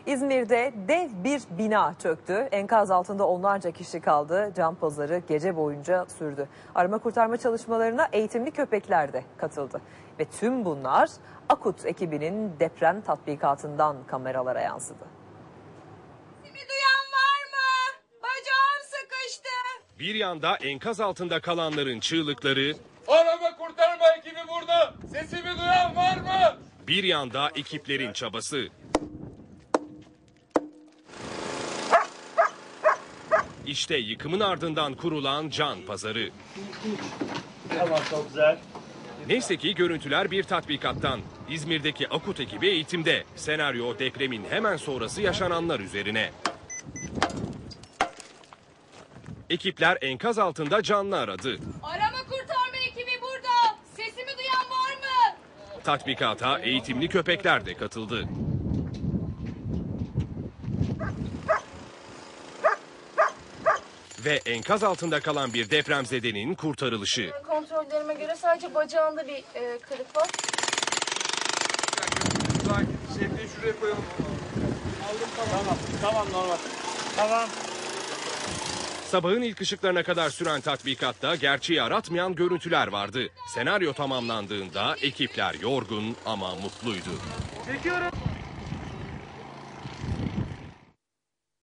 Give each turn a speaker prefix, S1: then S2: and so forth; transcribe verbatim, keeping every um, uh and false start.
S1: İzmir'de dev bir bina çöktü. Enkaz altında onlarca kişi kaldı. Can pazarı gece boyunca sürdü. Arama kurtarma çalışmalarına eğitimli köpekler de katıldı. Ve tüm bunlar AKUT ekibinin deprem tatbikatından kameralara yansıdı.
S2: Sesimi duyan var mı? Bacağım sıkıştı.
S3: Bir yanda enkaz altında kalanların çığlıkları,
S4: arama kurtarma ekibi burada. Sesimi duyan var mı?
S3: Bir yanda ekiplerin çabası. İşte yıkımın ardından kurulan can pazarı.
S5: Tamam, çok güzel.
S3: Neyse ki görüntüler bir tatbikattan. İzmir'deki AKUT ekibi eğitimde. Senaryo depremin hemen sonrası yaşananlar üzerine. Ekipler enkaz altında canlı aradı.
S2: Arama kurtarma ekibi burada. Sesimi duyan var mı?
S3: Tatbikata eğitimli köpekler de katıldı. Ve enkaz altında kalan bir depremzedenin kurtarılışı.
S6: Kontrollerime göre sadece bacağında bir e, kırık var.
S4: Şefliği şuraya koyalım.
S5: Aldım, tamam. Tamam, tamam normal. Tamam.
S3: Sabahın ilk ışıklarına kadar süren tatbikatta gerçeği aratmayan görüntüler vardı. Senaryo tamamlandığında ekipler yorgun ama mutluydu.
S5: Çekiyorum.